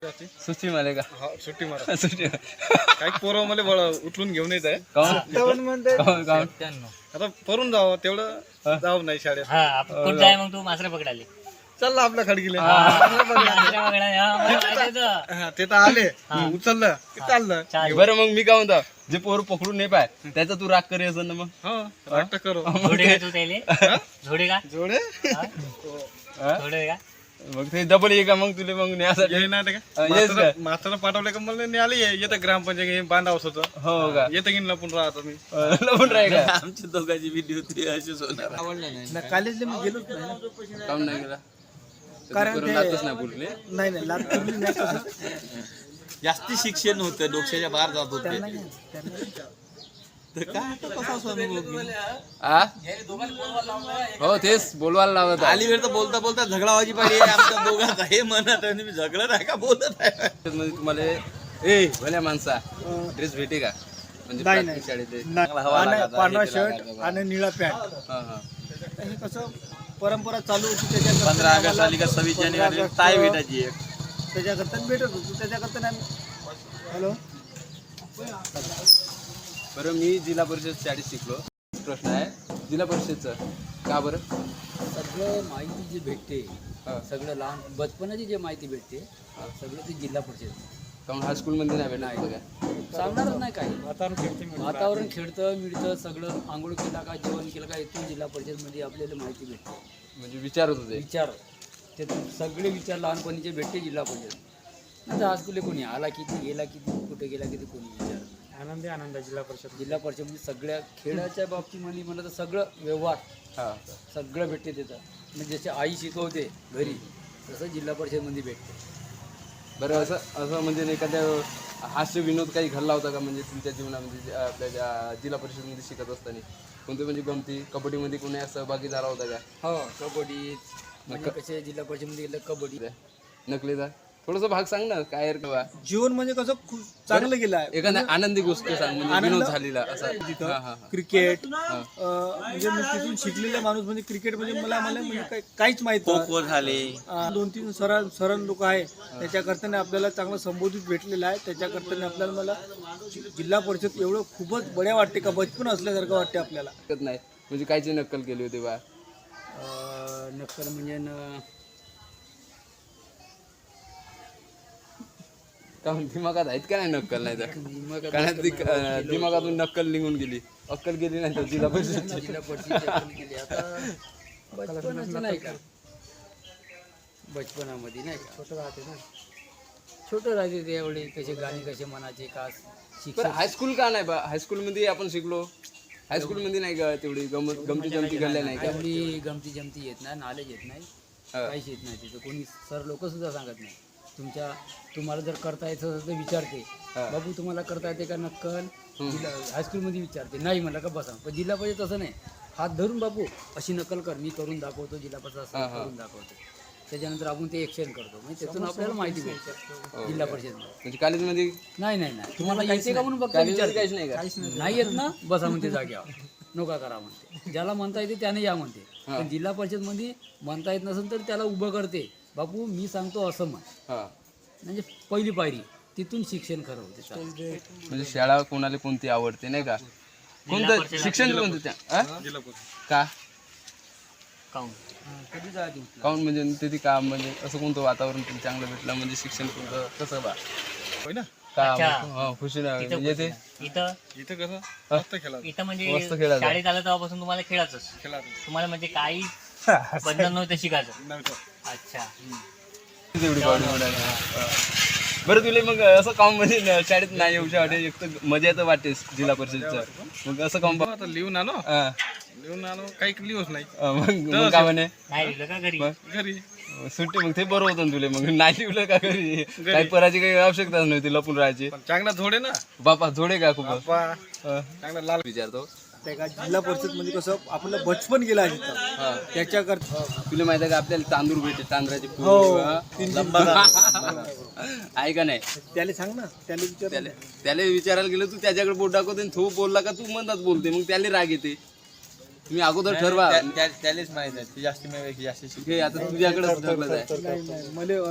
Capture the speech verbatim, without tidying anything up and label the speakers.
Speaker 1: सुट्टी मारे का
Speaker 2: हा सुट्टी मारा
Speaker 1: सुट्टी
Speaker 2: काही पोरं मला बळ उचलून घेऊन येत आहे
Speaker 1: काऊन काऊन काऊन
Speaker 2: आता परून जावं तेवढं जाऊ नाही शाळेत
Speaker 3: हा आपण कुठं आहे मग तू मासरे पकडाले
Speaker 2: चालला आपल्या खडकीले
Speaker 3: मासरे पकडाले हा, मला माहिती होतं.
Speaker 2: हा, ते तर आले उचललं की चाललं
Speaker 3: चालेल.
Speaker 1: बरं मग मी काय म्हणतो जे पोर पकडून नाही पाय त्याचा तू राग करी असं ना मग
Speaker 2: हो वाटतं करू
Speaker 3: झोडे का तू त्याले झोडे का
Speaker 2: जोडे
Speaker 1: हा?
Speaker 3: झोडे का
Speaker 1: मग ते डबल ये का मग तुला मग न्यासाठी
Speaker 2: ये नाही
Speaker 1: हा,
Speaker 2: का
Speaker 1: येस का?
Speaker 2: मास्तर पाठवले का मला नाही आले येतं ग्रामपंचायत बांधावं होतं
Speaker 1: हो का
Speaker 2: येतं की लपून राहतो मी
Speaker 1: लपून राही का आमची दोघांची विधी होती अशीच होणार
Speaker 4: कॉलेजला मी गेलोच नाही ना.
Speaker 1: काऊन नाही गेला
Speaker 4: कारण
Speaker 1: करून
Speaker 4: ते-
Speaker 1: लातच नाही बोलले
Speaker 4: नाही नाही लात पडली नाही तसं.
Speaker 5: जास्ती शिक्षण होतं डोक्याच्या बाहेर जात होते
Speaker 4: त्यांना नाही, त्यांना नाही.
Speaker 5: तर काय आता कसा अनुभव घेऊ?
Speaker 1: आ हो तेच बोलवायला लावत
Speaker 5: आली वेळ तर बोलता बोलता झगडा व्हायची पाहिजे आमच्या दोघांचा हे म्हणत आहे मी झगडत आहे का बोलत आहे
Speaker 1: मध्ये तुम्हाला ए भल्या माणसा ड्रेस भेटे का म्हणजे
Speaker 4: नाही,
Speaker 1: प्राथमिक शाळेत
Speaker 4: नाही. आणि पांढरा शर्ट आणि निळा पॅन्ट
Speaker 1: हा हा
Speaker 4: हे कसं परंपरा चालू होती त्याच्याकरता
Speaker 5: पंधरा ऑगस्ट आली का सव्वीस जानेवारी टाय भेटायची एक
Speaker 4: त्याच्याकरता भेटत होतो त्याच्याकरता नाही हॅलो
Speaker 1: बरं मी जिल्हा परिषद शाळेत शिकलो प्रश्न आहे जिल्हा परिषदचं का बरं
Speaker 6: सगळं माहिती जी भेटते
Speaker 1: हा.
Speaker 6: सगळं लहान बचपनाची जे माहिती भेटते सगळं ते जिल्हा परिषद
Speaker 1: कारण हायस्कूलमध्ये नाही भेटणार काय
Speaker 6: सांगणारच नाही काही वातावरण खेळतं मिळतं सगळं आंघोळ केला का जेवण केलं का इथून जिल्हा परिषदमध्ये आपल्याला माहिती भेटते
Speaker 1: म्हणजे विचारत होते
Speaker 6: विचार ते सगळे विचार लहानपणीचे भेटते जिल्हा परिषद नंतर हायस्कूलला कोणी आला किती गेला किती कुठे गेला किती कोणी विचार
Speaker 2: आनंदी आनंद जिल्हा परिषद
Speaker 6: जिल्हा परिषदमध्ये सगळ्या खेळाच्या बाबतीमध्ये म्हणलं तर सगळं व्यवहार
Speaker 1: हा
Speaker 6: सगळं भेटते त्याचं म्हणजे जसे आई शिकवते घरी तसं जिल्हा परिषदमध्ये भेटते
Speaker 1: बरं असं असं म्हणजे नाही एखाद्या हास्य विनोद काही घडला होता का म्हणजे तुमच्या जीवनामध्ये जे आपल्या ज्या जिल्हा परिषदमध्ये शिकत असताना कोणते म्हणजे गमती कबड्डीमध्ये कोणी सहभागी झाला होता का
Speaker 6: हो कबड्डी म्हणजे कसे जिल्हा परिषदमध्ये गेलं कबड्डी
Speaker 1: नकलीचा थोडंसं भाग सांग ना काय रे बाबा
Speaker 4: जीवन म्हणजे कसं खूप चांगलं गेलं आहे
Speaker 1: एखादा आनंदी गोष्ट सांग म्हणजे
Speaker 4: आनंद-
Speaker 1: विनोद झालेला असा हा हा
Speaker 4: क्रिकेट अं, म्हणजे मी तिथून शिकलेला माणूस म्हणजे क्रिकेट म्हणजे मला मला म्हणजे काही- काहीच माहित
Speaker 5: खो
Speaker 4: नाही.
Speaker 5: खो झाले
Speaker 4: अं, दोन तीन सर सरण लोक आहे त्याच्याकरताने आपल्याला चांगलं संबोधित भेटलेलं आहे त्याच्याकरताने आपल्याला मला जि- जिल्हा परिषद एवढं खूपच बढिया वाटते का बचपन असल्यासारखं वाटते आपल्याला
Speaker 1: शकत नाही म्हणजे कायची नक्कल केली होती बा
Speaker 6: अं, नक्कल म्हणजे न
Speaker 1: का दिमागात आहेत का नाही नक्कल नाही तर कारण ती अं, दिमागातून नक्कल निघून गेली अक्कल गेली नाही तर जिल्हा परिषद
Speaker 6: जिल्हा परिषद केली आता बचपनाचं नाही का बचपनामध्ये नाही का छोटं राहते ना छोटं राहते ते एवढे कसे गाणे कसे मनाचे का
Speaker 1: बरं
Speaker 6: शिक्षण
Speaker 1: हायस्कूल का नाही बा हायस्कूलमध्ये आपण शिकलो हायस्कूलमध्ये नाही का तेवढी गमत गमती जमती घडल्या नाही का
Speaker 6: एवढी गमती जमती येत नाही नॉलेज येत नाही
Speaker 1: हा.
Speaker 6: काहीच येत नाही तिथं कोणी सर लोक सुद्धा सांगत नाही तुमच्या तुम्हाला जर करता येतं तर विचारते
Speaker 1: हा.
Speaker 6: बाबू तुम्हाला करता येते का नक्कल जिल्हा हायस्कूलमध्ये विचारते नाही म्हणलं का बसा पण जिल्हा परिषद तसं नाही हात धरून बाबू अशी नकल कर मी करून दाखवतो जिल्हा परिषद असं
Speaker 1: हा, हा.
Speaker 6: करून दाखवतो त्याच्यानंतर आपण ते एक्शन करतो म्हणजे त्यातून आपल्याला माहिती भेटते जिल्हा परिषदमध्ये
Speaker 1: म्हणजे कॉलेजमध्ये
Speaker 6: नाही नाही नाही तुम्हाला येते का म्हणून फक्त
Speaker 1: कॉलेजमध्ये
Speaker 6: विचार
Speaker 1: काहीच नाही का
Speaker 6: नाही येत ना बसा म्हणते जाग्यावर नका करा म्हणते ज्याला म्हणता येते त्याने या म्हणते पण जिल्हा परिषदमध्ये म्हणता येत नसेल तर त्याला उभं करते बापू मी सांगतो असं म्हण
Speaker 1: हा
Speaker 6: म्हणजे पहिली पायरी तिथून शिक्षण खरं होते चालेल.
Speaker 1: म्हणजे शाळा कोणाला कोणती आवडते नाही का कोणतं शिक्षण कोणतं त्या आ? का
Speaker 3: काऊन
Speaker 1: काऊन म्हणजे तिथे का म्हणजे असं कोणतं वातावरण तुला चांगलं भेटलं म्हणजे शिक्षण कोणतं कसं बा
Speaker 2: होय ना
Speaker 1: का
Speaker 3: अच्छा.
Speaker 1: हा, खुशी ना म्हणजे ते
Speaker 3: इथं
Speaker 2: इथं कसं मस्त खेळा
Speaker 3: इथं म्हणजे
Speaker 1: मस्त खेळायचं.
Speaker 3: शाळेत आलं तेव्हापासून तुम्हाला खेळायचंच
Speaker 2: खेळा
Speaker 3: तुम्हाला म्हणजे काही बंधन नव्हतं शिकायचं
Speaker 2: नव्हतं
Speaker 3: अच्छा
Speaker 1: तेवढी बॉडी हा. बरं तुला मग असं काम म्हणजे न- शाळेत नाही येऊ वाटे एक तर मजा येतं वाटेस जिल्हा परिषदचं मग असं काम बा-
Speaker 2: आता लिहून आलो
Speaker 1: हा.
Speaker 2: लिहून आलो काही लिहूच नाही
Speaker 1: अं, मग मग काय म्हणे
Speaker 3: नाही लिहिलं का घरी
Speaker 2: घरी
Speaker 1: सुट्टी मग ते बरं होतं ना तुला मग नाही लिहिलं का घरी काही पराची काही आवश्यकताच नव्हती लपून राहायची
Speaker 2: पण चांगला झोडे ना
Speaker 1: बापा जोडे का खूप
Speaker 2: बाप्पा
Speaker 1: अं,
Speaker 2: चांगला लाल
Speaker 1: विचारतो
Speaker 4: त्या का जिल्हा परिषद म्हणजे कसं आपलं बचपन गेलं आहे तिथं
Speaker 1: हा.
Speaker 4: त्याच्याकरता
Speaker 1: तुला माहिती आहे का आपल्याला तांदूळ भेटते तांदळाची पूड,
Speaker 4: हो.
Speaker 1: हा? आहे का नाही
Speaker 4: त्याला सांग ना त्याला विचार
Speaker 1: त्याला त्याला विचारायला गेलं तू त्याच्याकडे बोट दाखवते आणि तो बोलला का तू म्हणतात बोलते मग त्याला राग येते तुम्ही अगोदर ठरवा
Speaker 5: त्यालाच माहित आहे ती जास्त जास्त
Speaker 1: हे आता तुझ्याकडेच ढकलत आहे
Speaker 4: नाही नाही मला